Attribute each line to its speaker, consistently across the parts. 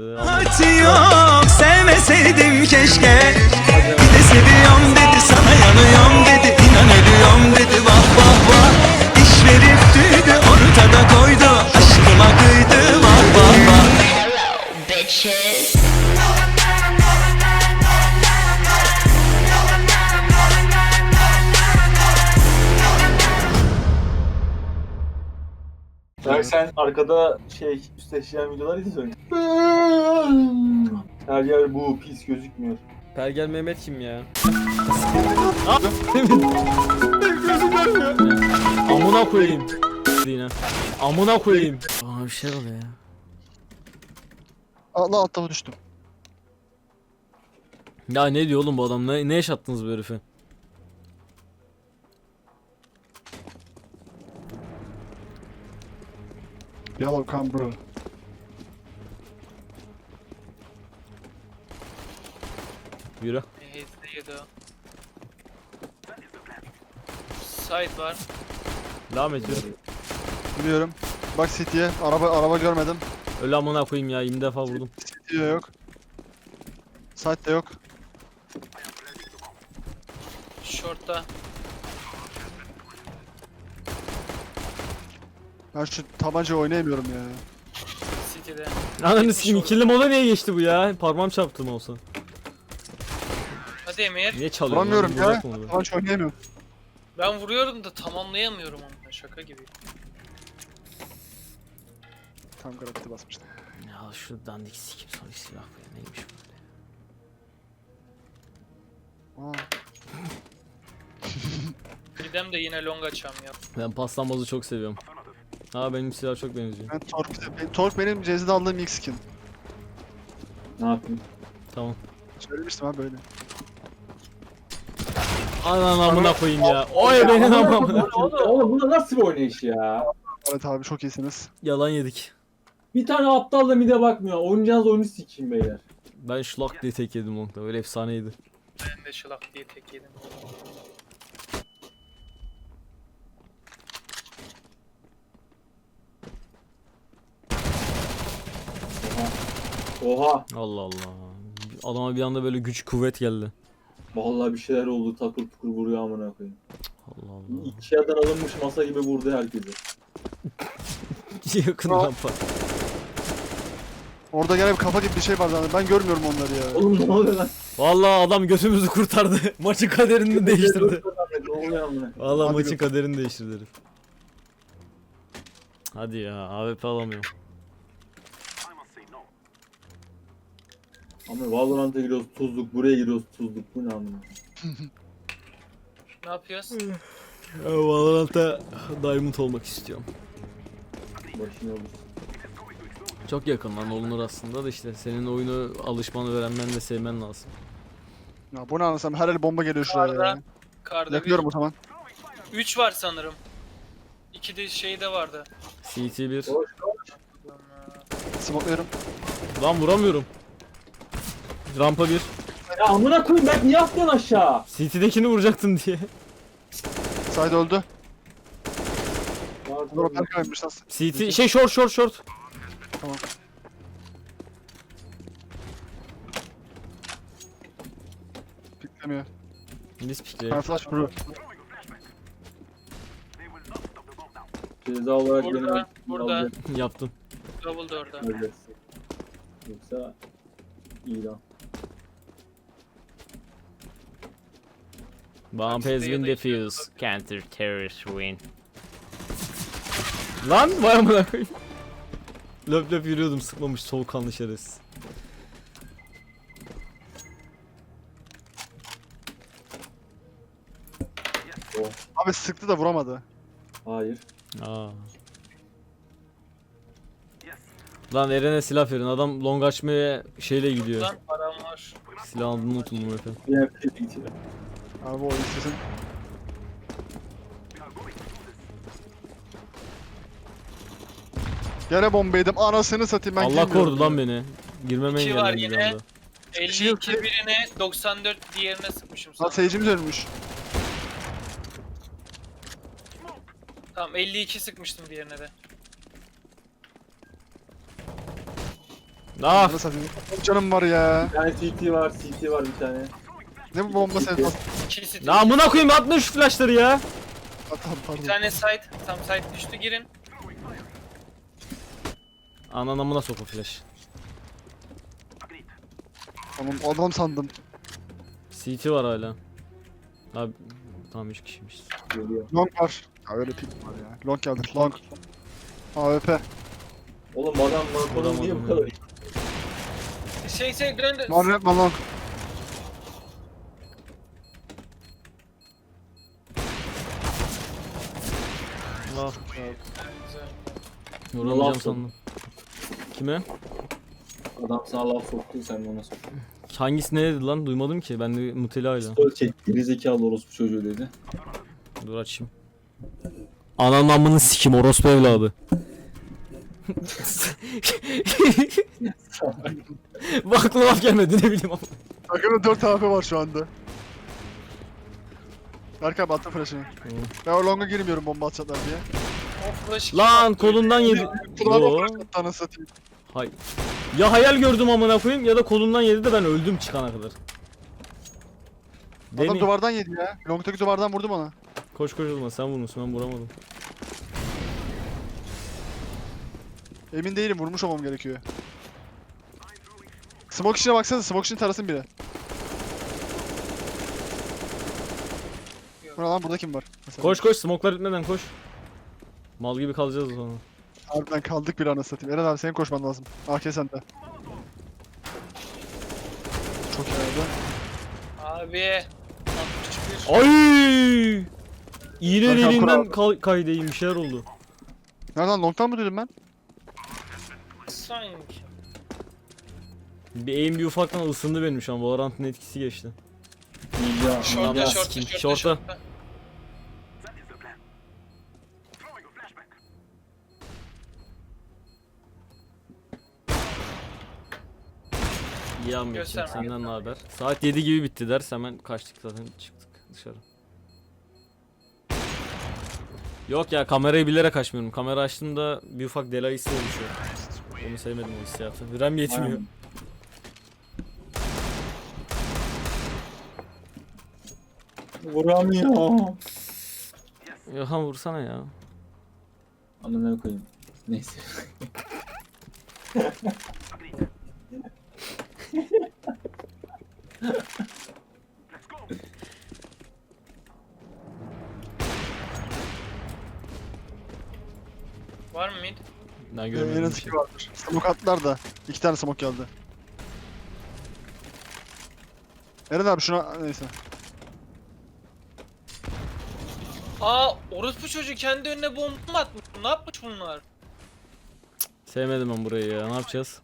Speaker 1: şimdi.
Speaker 2: Yok sevmeseydim keşke. Bir de seviyorum dedi, sana yanıyorum dedi, inan ölüyorum dedi, vah vah vah. İş verip tüydü, ortada koydu, aşkıma kıydı, vah vah vah.
Speaker 3: Bitches.
Speaker 4: Belki sen arkada üstleşen videolar izliyorsun. Her yer bu pis gözükmüyor.
Speaker 1: Pergel Mehmet kim ya? Amına koyayım. Yine. Amına koyayım. Aa bir şey oluyor ya.
Speaker 5: Allah altta düştüm.
Speaker 1: Ya ne diyor oğlum bu adam? Ne yaşattınız bu herife?
Speaker 5: Yellow come bro.
Speaker 1: Yürü.
Speaker 6: Hezde o. Side var.
Speaker 1: Devam et yürü.
Speaker 5: Biliyorum. Bak City'ye. Araba görmedim.
Speaker 1: Öyle amına koyayım ya 20 defa vurdum.
Speaker 5: City'ye yok. Site'de yok.
Speaker 6: Short'ta.
Speaker 5: Ben şu tabanca oynayamıyorum ya.
Speaker 6: City'de.
Speaker 1: Ananı sikeyim ikili mola niye geçti bu ya? Parmağım çarptı olsa.
Speaker 6: Hadi Emir.
Speaker 1: Niye çalıyorsun?
Speaker 5: Vuramıyorum
Speaker 1: lan?
Speaker 5: ya.
Speaker 1: Vuracak mı onu?
Speaker 5: Tabanca oynayamıyorum.
Speaker 6: Ben vuruyorum da tamamlayamıyorum onu. Şaka gibi.
Speaker 5: Tam garanti basmıştım.
Speaker 1: Ya şu dandik sikim soru silah bu ya neymiş bu?
Speaker 5: Aa.
Speaker 6: Gidem de yine long açam ya.
Speaker 1: Ben paslanmazı çok seviyorum. Ha benim silah çok benziyor.
Speaker 5: Ben Tork benim cezide aldığım ilk skin.
Speaker 4: Ne yapayım?
Speaker 1: Tamam.
Speaker 5: Söylemiştim ha böyle.
Speaker 1: Anan amına koyayım ya. Oy benim amına.
Speaker 4: Oğlum bu nasıl bir oynayış ya?
Speaker 5: Evet abi çok iyisiniz.
Speaker 1: Yalan yedik.
Speaker 4: Bir tane aptal da mide bakmıyor. Oynayacağınız oyunu sikeyim beyler.
Speaker 1: Ben şlak diye tek yedim longda. Öyle efsaneydi.
Speaker 6: Ben de şılak diye tek yedim.
Speaker 4: Oha.
Speaker 1: Allah Allah. Adama bir anda böyle güç kuvvet geldi.
Speaker 4: Vallahi bir şeyler oldu. Takır tukur vuruyor amına koyayım.
Speaker 1: Allah Allah.
Speaker 4: İki yerden alınmış masa gibi vurdu herkesi.
Speaker 1: Yakın rampa.
Speaker 5: Orada gene bir kafa gibi bir şey var zaten. Ben görmüyorum onları ya.
Speaker 4: Oğlum ne oluyor lan?
Speaker 1: Vallahi adam götümüzü kurtardı. Maçın kaderini değiştirdi.
Speaker 4: Ne oluyor amına?
Speaker 1: Vallahi
Speaker 5: Hadi
Speaker 1: maçın kaderini değiştirdi herif. Hadi ya AWP alamıyorum.
Speaker 4: Ama Valorant'a giriyoruz tuzluk, buraya giriyoruz tuzluk. Bu ne amına?
Speaker 6: Ne yapıyoruz?
Speaker 1: Valorant'ta Diamond olmak istiyorum.
Speaker 4: Başına olur.
Speaker 1: Çok yakın lan olunur aslında da işte senin oyunu alışmanı öğrenmen ve sevmen lazım.
Speaker 5: Ya bu ne anlasam her el bomba geliyor şuraya
Speaker 6: Karda.
Speaker 5: ya.
Speaker 6: Karda
Speaker 5: Yakıyorum o zaman.
Speaker 6: 3 var sanırım. 2 de şeyde vardı.
Speaker 1: CT1.
Speaker 5: Smokluyorum.
Speaker 1: Lan vuramıyorum. Rampa 1.
Speaker 4: Ya amına koyayım ben niye attın aşağı?
Speaker 1: CT'dekini vuracaktım diye.
Speaker 5: Side öldü. Dur o perkaymış nasıl?
Speaker 1: CT şey short.
Speaker 5: Tamam. Piklemiyor.
Speaker 1: Biz pikle.
Speaker 5: Ben flash bro.
Speaker 4: Ceza olarak
Speaker 6: Burada,
Speaker 4: beni
Speaker 6: burada.
Speaker 1: Yaptım.
Speaker 6: Double da orada.
Speaker 4: alacaksın. Yoksa iyi lan.
Speaker 1: Bomb has been defused. Counter terrorist win. Lan vay amına koyayım. Löp löp yürüyordum sıkmamış soğukkanlı şerefsiz.
Speaker 5: Abi sıktı da vuramadı.
Speaker 4: Hayır.
Speaker 1: Aa. Lan Eren'e silah verin. Adam long açmaya şeyle gidiyor.
Speaker 6: Lan param var.
Speaker 1: Silah aldığını unutun bu efendim.
Speaker 4: Diğer bir şey değil.
Speaker 5: Abi o istesin. Gene bomba yedim. Anasını satayım ben
Speaker 1: Allah
Speaker 5: girmiyorum
Speaker 1: korudu
Speaker 5: ya.
Speaker 1: lan beni. Girmeme
Speaker 6: İki var
Speaker 1: engellendi bir
Speaker 6: yine.
Speaker 1: anda.
Speaker 6: 52 birine 94 diğerine sıkmışım
Speaker 5: Lan
Speaker 6: sana.
Speaker 5: seyircimiz ölmüş.
Speaker 6: Tamam 52 sıkmıştım diğerine de.
Speaker 1: Ah!
Speaker 5: Ananı satayım. Canım var ya.
Speaker 4: Bir tane CT var, CT var bir tane.
Speaker 5: Ne bu bomba sevdası?
Speaker 6: 2 city.
Speaker 1: Ya amına koyayım atma şu flashları ya.
Speaker 5: Tamam pardon.
Speaker 6: Bir tane site. Tam site düştü girin.
Speaker 1: Anan amına sok o flash.
Speaker 5: Tamam adam sandım.
Speaker 1: CT var hala. Abi tamam 3 kişiymiş.
Speaker 4: Geliyor.
Speaker 5: Long var. Ya öyle pik var ya. Long geldi. Long. AWP.
Speaker 4: Oğlum adam Marco'nun niye bu kadar iyi?
Speaker 6: Döndü.
Speaker 5: Var yapma long.
Speaker 1: Ah.
Speaker 6: Güzel.
Speaker 1: Yoramayacağım
Speaker 4: Laf
Speaker 1: sandım. Kime?
Speaker 4: Adam sana laf soktu sen de ona soktun.
Speaker 1: Hangisi ne dedi lan? Duymadım ki. Ben de Nutella'yla.
Speaker 4: Story çek. Gerizekalı orospu çocuğu dedi.
Speaker 1: Dur açayım. Ananın amını sikim orospu evladı. Bak aklıma laf gelmedi ne bileyim ama.
Speaker 5: Takımda 4 AWP var şu anda. Berkay abi attım flash'ını. Ben o long'a girmiyorum bomba atacaklar diye.
Speaker 6: O flash
Speaker 1: Lan kolundan yedi.
Speaker 5: Kulağıma
Speaker 1: Yo.
Speaker 5: flash attı anasını satayım.
Speaker 1: Hay. Ya hayal gördüm amına koyayım ya da kolundan yedi de ben öldüm çıkana kadar.
Speaker 5: Adam
Speaker 1: Deni.
Speaker 5: duvardan yedi ya. Long'taki duvardan vurdum ona.
Speaker 1: Koş koş olma sen vurmuşsun ben vuramadım.
Speaker 5: Emin değilim vurmuş olmam gerekiyor. Smoke içine baksanıza, smoke içini tarasın biri. Bu ne lan, burada kim var? Mesela.
Speaker 1: Koş koş smoke'lar bitmeden koş. Mal gibi kalacağız sonra.
Speaker 5: Harbiden kaldık bir anasını satayım. Eren abi senin koşman lazım. AK sende. Çok iyi abi.
Speaker 6: Abi. 61.
Speaker 1: Ay! İğne
Speaker 5: Hakan
Speaker 1: deliğinden
Speaker 5: Kural.
Speaker 1: kaydeyim bir şeyler oldu.
Speaker 5: Nereden long'tan mı duydum ben?
Speaker 6: Sanki.
Speaker 1: Bir aim bir ufaktan ısındı benim şu an. Valorant'ın etkisi geçti.
Speaker 4: Ninja.
Speaker 6: Şorta
Speaker 1: Ya,
Speaker 6: şorta
Speaker 1: sikim,
Speaker 6: şorta
Speaker 1: şorta.
Speaker 6: şorta.
Speaker 1: İyi Ahmetciğim
Speaker 6: Gösterme.
Speaker 1: senden ne haber? Saat 7 gibi bitti ders hemen kaçtık zaten çıktık dışarı. Yok ya kamerayı bilerek açmıyorum. Kamera açtığımda bir ufak delay hissi oluşuyor. Onu sevmedim o hissiyatı. RAM yetmiyor.
Speaker 4: Aynen. Vuramıyor.
Speaker 1: Ya vursana ya.
Speaker 4: Anlamaya koyayım. Neyse.
Speaker 6: Var mı mid?
Speaker 1: Ben
Speaker 5: En
Speaker 1: görmedim
Speaker 5: az
Speaker 1: bir
Speaker 5: 2
Speaker 1: şey.
Speaker 5: vardır. Smoke attılar da. 2 tane smoke geldi. Eren abi şuna neyse.
Speaker 6: Aa orospu çocuğu kendi önüne bomba mı atmış? Ne yapmış bunlar?
Speaker 1: Sevmedim ben burayı ya. Ne yapacağız?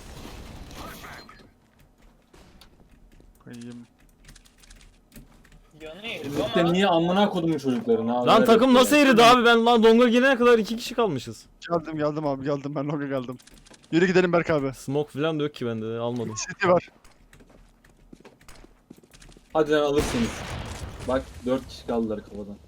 Speaker 5: Koyayım.
Speaker 6: Yanıyor
Speaker 4: Birlikte
Speaker 6: ama.
Speaker 4: niye amına kodumun çocuklarını abi?
Speaker 1: Lan takım nasıl eridi abi? Ben lan donga gelene kadar 2 kişi kalmışız.
Speaker 5: Geldim abi geldim ben long'a geldim. Yürü gidelim Berk abi.
Speaker 1: Smoke falan da yok ki bende almadım.
Speaker 5: City var.
Speaker 4: Hadi lan alırsınız. Bak 4 kişi kaldılar kafadan.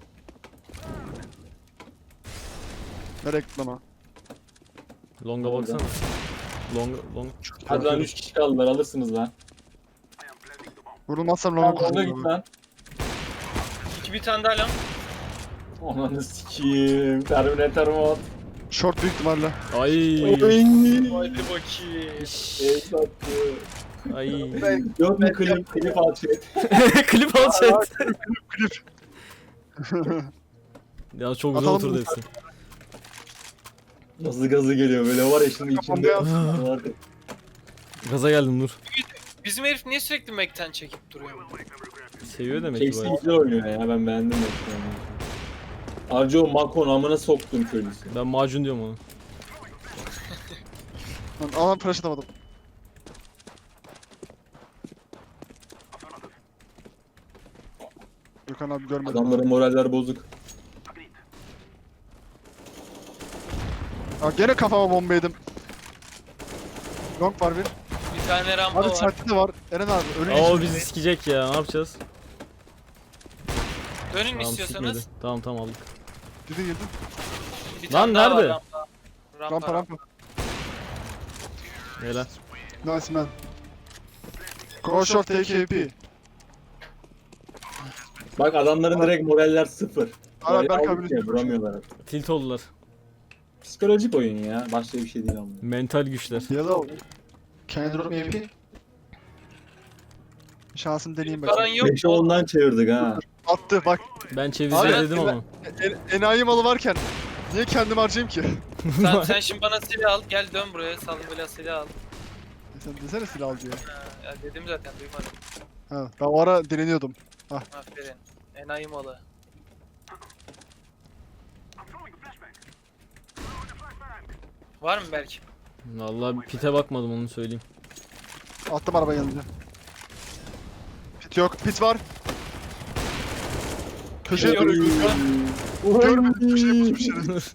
Speaker 5: Nereye gittin ama?
Speaker 1: Longa
Speaker 4: Orada.
Speaker 1: baksana. Long.
Speaker 4: Hadi lan 3 kişi kaldılar alırsınız lan.
Speaker 5: Vurulmazsam
Speaker 4: Tamam
Speaker 5: long'a
Speaker 4: orada git
Speaker 5: koşuyorum.
Speaker 4: lan.
Speaker 6: Bir tane daha lan.
Speaker 4: Ananı sikiyim. Terminator mod.
Speaker 5: Short büyük ihtimalle.
Speaker 1: Ay.
Speaker 6: Haydi bakayım.
Speaker 1: İş.
Speaker 4: Ey sattı.
Speaker 1: Ay.
Speaker 4: Yok mu klip açıyor.
Speaker 1: Klip al chat.
Speaker 5: Klip.
Speaker 1: Ya çok güzel
Speaker 5: Atalım
Speaker 1: oturdu
Speaker 5: mı?
Speaker 1: hepsi.
Speaker 4: Nasıl gazı geliyor böyle var ya şimdi içinde.
Speaker 5: Kafamda
Speaker 1: Gaza geldim dur.
Speaker 6: Bizim herif niye sürekli Mac'ten çekip duruyor?
Speaker 1: Seviyor demek ki
Speaker 4: Casey
Speaker 1: bayağı.
Speaker 4: güzel oynuyor ya ben beğendim. Harca o Makon amına soktum köylüsü.
Speaker 1: Ben macun diyorum ona.
Speaker 5: Alan flash atamadım. Gökhan abi görmedim.
Speaker 4: Adamların moraller bozuk.
Speaker 5: Aa, gene kafama bomba yedim. Long var bir.
Speaker 6: Bir tane rampa
Speaker 5: Abi
Speaker 6: var.
Speaker 5: site'de de var. Eren abi ölü
Speaker 1: Aa o
Speaker 5: için.
Speaker 1: bizi sikecek ya ne yapacağız?
Speaker 6: Dönün
Speaker 1: Tamam
Speaker 6: istiyorsanız.
Speaker 1: sikmedi. Tamam aldık.
Speaker 5: Gidin gidin.
Speaker 6: Bir
Speaker 1: Lan
Speaker 6: tane daha var
Speaker 1: nerede?
Speaker 6: rampa.
Speaker 5: Rampa rampa.
Speaker 1: Helal.
Speaker 5: Nice man. Go short take AP.
Speaker 4: Bak adamların direkt moraller sıfır.
Speaker 5: Ara
Speaker 4: Moral
Speaker 5: Berk
Speaker 4: aldık
Speaker 5: abinin
Speaker 4: ya, vuramıyorlar artık.
Speaker 1: Tilt oldular.
Speaker 4: Psikolojik oyun ya. Başka bir şey değil ama.
Speaker 1: Mental güçler.
Speaker 5: Yellow. Can you drop me AP? Şansım deneyeyim
Speaker 6: Paran
Speaker 5: bakayım.
Speaker 6: yok.
Speaker 4: 5'e 10'dan çevirdik ha.
Speaker 5: Attı bak.
Speaker 1: Ben çevireceğim
Speaker 5: Abi,
Speaker 1: dedim ama.
Speaker 5: Enayi malı varken niye kendim harcayayım ki?
Speaker 6: Sen şimdi bana silah al. Gel dön buraya. Salın böyle silah al.
Speaker 5: Sen desene silah al diye.
Speaker 6: Ha, ya dedim zaten duymadım.
Speaker 5: Ha, ben o ara direniyordum.
Speaker 6: Aferin. Enayi malı. Var mı belki?
Speaker 1: Vallahi pite bakmadım onu söyleyeyim.
Speaker 5: Attım araba yanınca. Pit yok. Pit var. Köşeye
Speaker 6: Yok.
Speaker 5: duruyor. Görmedim köşeye pusmuşuz.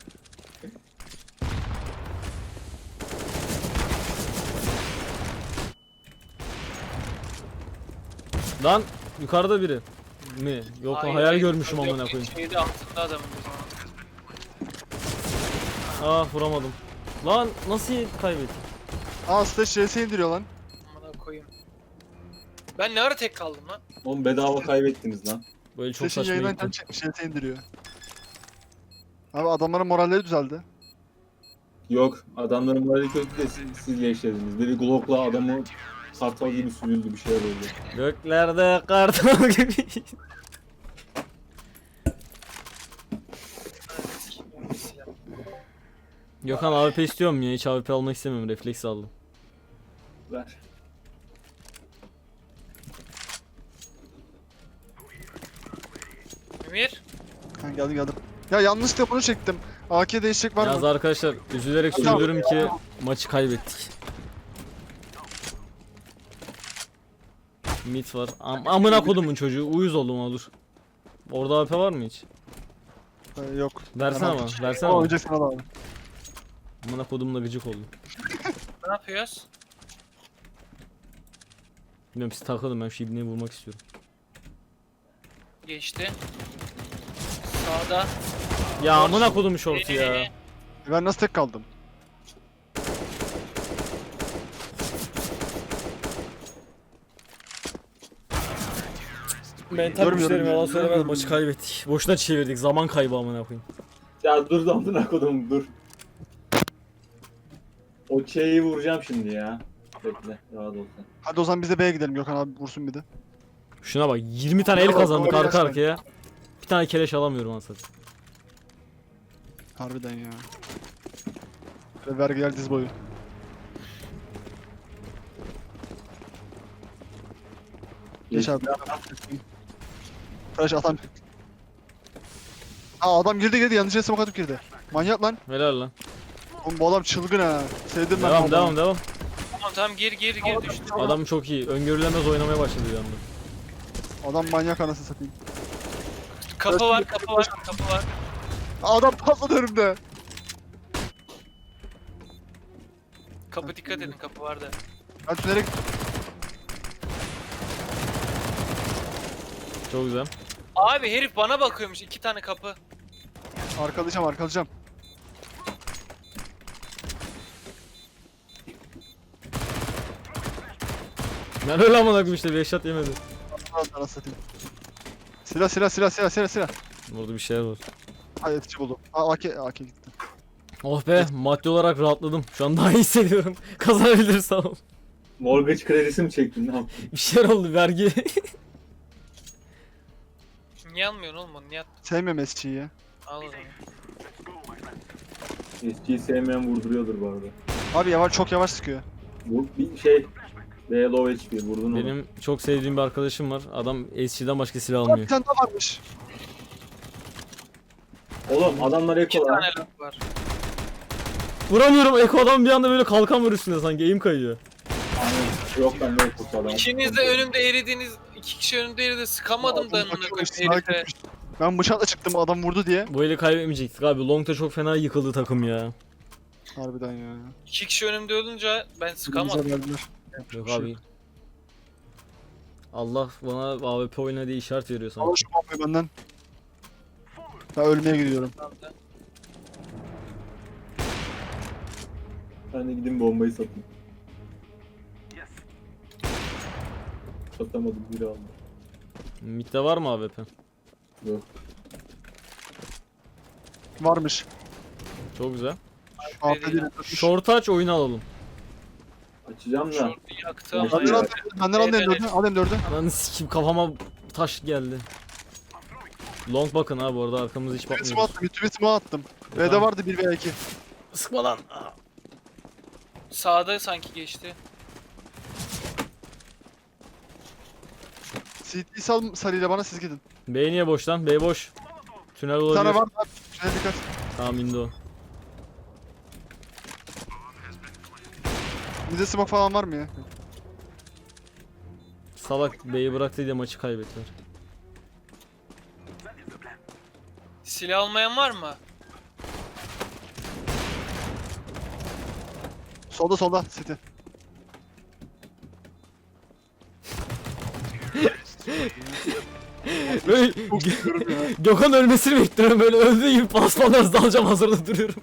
Speaker 1: Lan yukarıda biri. Mi? Yok lan
Speaker 6: Hayır,
Speaker 1: hayal
Speaker 6: hayır.
Speaker 1: görmüşüm
Speaker 6: Yok,
Speaker 1: amına koyayım.
Speaker 6: Şeyde altında adamın o zaman.
Speaker 1: Ah vuramadım. Lan nasıl kaybettik?
Speaker 5: Aa stage JS indiriyor lan.
Speaker 6: Amına koyayım. Ben ne ara tek kaldım lan?
Speaker 4: Oğlum bedava kaybettiniz lan.
Speaker 1: Böyle çok
Speaker 5: Stage'in
Speaker 1: saçma
Speaker 5: yayından
Speaker 1: gitti.
Speaker 5: çekmiş JS indiriyor. Abi adamların moralleri düzeldi.
Speaker 4: Yok adamların morali kötü de siz yaşadınız. Biri Glock'la adamı kartal gibi sürüldü bir şeyler oldu.
Speaker 1: Göklerde kartal gibi. Gökhan AWP istiyorum ya hiç AWP almak istemiyorum refleks aldım.
Speaker 4: Ver.
Speaker 6: Emir.
Speaker 5: Ha geldim. Ya yanlışlıkla bunu çektim. AK değişecek var
Speaker 1: Yalnız
Speaker 5: mı?
Speaker 1: arkadaşlar üzülerek söylüyorum ki maçı kaybettik. Mid var. Amına kodumun çocuğu uyuz oldum olur. Orada AWP var mı hiç?
Speaker 5: Yok.
Speaker 1: Versene
Speaker 5: Hemen.
Speaker 1: ama versene
Speaker 5: Ama
Speaker 1: ama.
Speaker 5: oynayacak sana da abi.
Speaker 1: Amına kodumla gıcık oldum.
Speaker 6: Ne yapıyoruz?
Speaker 1: Bilmiyorum siz takılın ben şu ibneyi vurmak istiyorum.
Speaker 6: Geçti. Sağda.
Speaker 1: Ya amına kodum şortu ya.
Speaker 5: Ben nasıl tek kaldım?
Speaker 1: Mental
Speaker 5: Görmüyorum
Speaker 1: güçlerim
Speaker 5: ya.
Speaker 1: yalan söylemez maçı kaybettik. Boşuna çevirdik zaman kaybı amına koyayım.
Speaker 4: Ya dur amına kodum dur. O şeyi vuracağım şimdi ya. Bekle rahat ol sen.
Speaker 5: Hadi o zaman biz de B'ye gidelim Gökhan abi vursun bir de.
Speaker 1: Şuna bak 20 tane el
Speaker 5: Bravo,
Speaker 1: kazandık
Speaker 5: doğru
Speaker 1: arka
Speaker 5: yaşlar.
Speaker 1: arkaya. Bir tane keleş alamıyorum anasını.
Speaker 5: Harbiden ya. Ve vergiler diz boyu. Geç abi. Flash atan. Aa adam girdi yanlışlıkla smoke atıp girdi. Manyak lan.
Speaker 1: Helal lan.
Speaker 5: Oğlum bu adam çılgın ha. Sevdim ben bu
Speaker 1: Devam
Speaker 5: adamı.
Speaker 1: devam.
Speaker 6: Tamam gir düştü.
Speaker 1: Adam çok iyi. Öngörülemez oynamaya başladı bir anda.
Speaker 5: Adam manyak anasını satayım.
Speaker 6: Kapı var.
Speaker 5: Aa, adam patladı önümde.
Speaker 6: Kapı dikkat edin kapı var da.
Speaker 5: Ben tünele gittim.
Speaker 1: Çok güzel.
Speaker 6: Abi herif bana bakıyormuş 2 tane kapı.
Speaker 5: Arkalayacağım.
Speaker 1: Ben öyle amına koyayım işte bir eşat yemedi.
Speaker 5: Anasını satayım. Silah.
Speaker 1: Burada bir şeyler var.
Speaker 5: Ay etici buldum. Aa AK gitti.
Speaker 1: Oh be maddi olarak rahatladım. Şu an daha iyi hissediyorum. Kazanabiliriz tamam.
Speaker 4: Mortgage kredisi mi çektin ne yaptın?
Speaker 1: Bir şeyler oldu vergi.
Speaker 6: Niye almıyorsun oğlum onu? Niye
Speaker 5: Sevmiyorum SC'yi ya.
Speaker 6: al o zaman.
Speaker 4: Eskiyi sevmeyen vurduruyordur bu arada.
Speaker 5: Abi çok yavaş sıkıyor.
Speaker 4: Bu bir şey. Ve low HP vurdun onu.
Speaker 1: Benim çok sevdiğim bir arkadaşım var. Adam SC'den başka silah
Speaker 5: Aa, bir
Speaker 1: almıyor.
Speaker 5: tane daha varmış.
Speaker 4: Oğlum adamlar
Speaker 6: 2
Speaker 4: eko
Speaker 6: tane
Speaker 4: lan.
Speaker 6: laf var.
Speaker 1: Vuramıyorum Eko adam bir anda böyle kalkan var üstünde sanki eğim kayıyor.
Speaker 4: Aynen. Yok ben de eko adam.
Speaker 6: İkiniz de önümde eridiniz. 2 kişi önümde eridi. Sıkamadım da
Speaker 5: Adam
Speaker 6: amına
Speaker 5: bakıyormuş,
Speaker 6: koyayım herife.
Speaker 5: sağa gitmiş. Ben bıçakla çıktım adam vurdu diye.
Speaker 1: Bu eli kaybetmeyecektik abi. Long'da çok fena yıkıldı takım ya.
Speaker 5: Harbiden ya.
Speaker 6: 2 kişi önümde olunca ben sıkamadım.
Speaker 5: Bize verdiler.
Speaker 1: Yok
Speaker 5: Şey
Speaker 1: abi. Allah bana AWP oyna diye işaret veriyor
Speaker 5: Al
Speaker 1: sanki.
Speaker 5: şu bombayı benden. Ben ölmeye gidiyorum.
Speaker 4: Ben de gideyim bombayı satayım. Satamadım, biri aldı.
Speaker 1: Mid'de var mı AWP?
Speaker 4: Yok.
Speaker 5: Varmış.
Speaker 1: Çok güzel.
Speaker 5: AP değil.
Speaker 1: Short aç oyunu alalım.
Speaker 4: Açacağım da.
Speaker 6: Şortu yaktı ama
Speaker 5: Benden
Speaker 6: ya.
Speaker 5: al, benden al M4'ü. Al M4'ü.
Speaker 1: Lan sikim kafama taş geldi. Long bakın ha bu arada arkamızda hiç
Speaker 5: Smoke
Speaker 1: bakmıyoruz.
Speaker 5: attım. YouTube smoke attım. B'de
Speaker 1: Tamam.
Speaker 5: vardı 1 veya 2.
Speaker 1: Sıkma lan.
Speaker 6: Sağda sanki geçti.
Speaker 5: CT sal sarıyla bana, siz gidin.
Speaker 1: B niye boş lan? B boş. Tünel
Speaker 5: Bir
Speaker 1: olabilir.
Speaker 5: tane var da. Şuna dikkat.
Speaker 1: Tamam indi o.
Speaker 5: Bize smoke falan var mı ya?
Speaker 1: Salak B'yi bıraktı diye maçı kaybettiler.
Speaker 6: Silah almayan var mı?
Speaker 5: Solda solda City.
Speaker 1: Böyle
Speaker 5: Çok seviyorum ya.
Speaker 1: Gökhan ölmesini bekliyorum böyle öldüğü gibi paspalarız dalacağım hazırda duruyorum.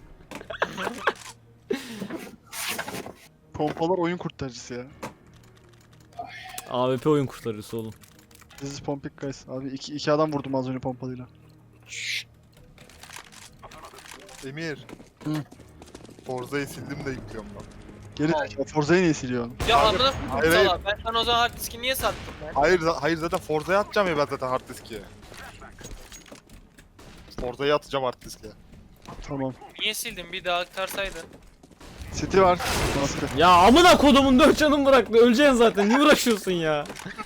Speaker 5: Pompalar oyun kurtarıcısı ya.
Speaker 1: AWP oyun kurtarıcısı oğlum.
Speaker 5: This is Pompik guys. Abi iki adam vurdum az önce pompalıyla.
Speaker 7: Emir.
Speaker 5: Hı.
Speaker 7: Forza'yı sildim de yüklüyorum ben.
Speaker 5: Geri zekalı. Forza'yı niye siliyorsun?
Speaker 6: Ya amına
Speaker 7: hayır,
Speaker 6: koyayım sala. Ben sana o zaman hard diski niye sattım ben?
Speaker 7: Hayır zaten Forza'ya atacağım ya ben zaten hard diske. Forza'yı atacağım hard diske.
Speaker 5: Tamam.
Speaker 6: Niye sildin? Bir daha aktarsaydın.
Speaker 5: City var. Nasıl?
Speaker 1: Ya amına kodumun 4 canım bıraktı öleceksin zaten niye uğraşıyorsun ya?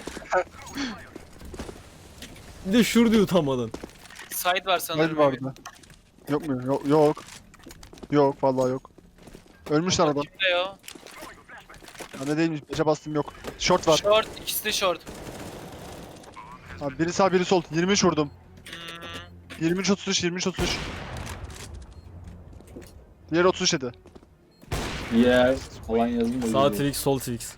Speaker 1: Bir de şur diyor utanmadan.
Speaker 6: Side var sanırım.
Speaker 5: Hayır vardı. Yok mu? Yok. Yok vallahi yok. Ölmüşler adam.
Speaker 6: Kimde ya?
Speaker 5: Ya ne değilmiş. 5'e bastım yok. Short var.
Speaker 6: Short. İkisi de short.
Speaker 5: Abi biri sağ biri sol. 23 vurdum.
Speaker 6: Hmm.
Speaker 5: 23 33 23 33. Diğer 37.
Speaker 4: Yer falan yazın da.
Speaker 1: Sağ
Speaker 4: geliyor.
Speaker 1: Twix sol Twix.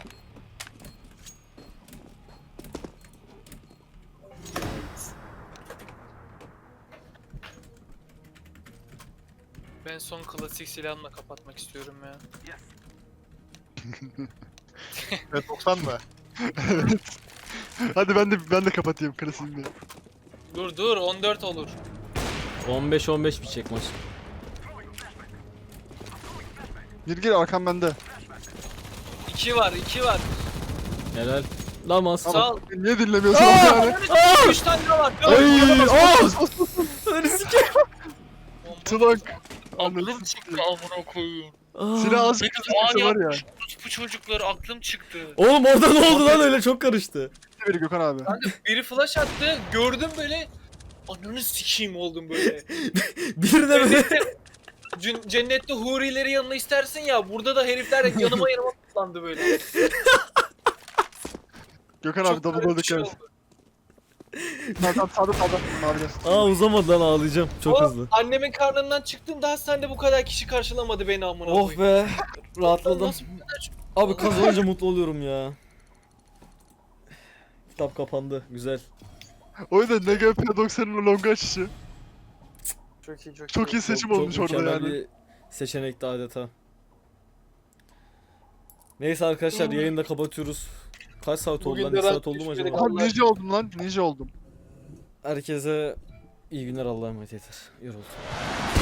Speaker 6: Ben son klasik silahımla kapatmak istiyorum ya.
Speaker 7: Evet 90 mı?
Speaker 5: Hadi ben de kapatayım klasiğimi.
Speaker 6: Dur 14 olur.
Speaker 1: 15-15 bitecek maç.
Speaker 5: Gir arkam bende.
Speaker 6: 2 var 2 var.
Speaker 1: Helal. Namaz.
Speaker 6: Sağ ol.
Speaker 5: Niye dinlemiyorsun yani?
Speaker 6: 3 tane daha var.
Speaker 1: Ay!
Speaker 5: Tılak.
Speaker 6: Aklım çıktı amına koyayım.
Speaker 5: Silah az bir
Speaker 6: Aa,
Speaker 5: kızı var ya.
Speaker 6: Bu çocukları aklım çıktı.
Speaker 1: Oğlum orada ne oldu lan öyle çok karıştı.
Speaker 5: Biri Gökhan abi.
Speaker 6: Biri flash attı. Gördüm böyle. Ananı sikeyim oldum böyle.
Speaker 1: Bir de böyle
Speaker 6: Cennette hurileri yanına istersin ya. Burada da herifler yanıma toplandı böyle.
Speaker 5: Gökhan abi
Speaker 6: Çok
Speaker 5: double
Speaker 6: garip
Speaker 5: goal
Speaker 6: bir şey
Speaker 5: dikkat.
Speaker 6: oldu.
Speaker 5: Sağda sağda. Mavide.
Speaker 1: Aa uzamadı lan ağlayacağım çok
Speaker 6: O,
Speaker 1: hızlı.
Speaker 6: Annemin karnından çıktığımda hastanede bu kadar kişi karşılamadı beni amına
Speaker 1: Oh
Speaker 6: koyayım.
Speaker 1: be rahatladım.
Speaker 6: Nasıl bu kadar çok-
Speaker 1: Abi kazanınca mutlu oluyorum ya. Kitap kapandı güzel.
Speaker 5: O yüzden NGP 90'ın longa açışı.
Speaker 6: Çok iyi
Speaker 5: Çok iyi seçim
Speaker 1: Çok
Speaker 5: olmuş orada
Speaker 1: mükemmel
Speaker 5: yani.
Speaker 1: bir seçenekti adeta. Neyse arkadaşlar yayını da kapatıyoruz. Kaç saat oldu
Speaker 6: Bugün
Speaker 1: lan?
Speaker 6: de
Speaker 1: 2
Speaker 6: ben
Speaker 1: saat oldu mu acaba?
Speaker 6: düşmedim.
Speaker 5: Aha ninja oldum lan. Ninja oldum.
Speaker 1: Herkese iyi günler Allah'a emanet yeter. Yoruldum.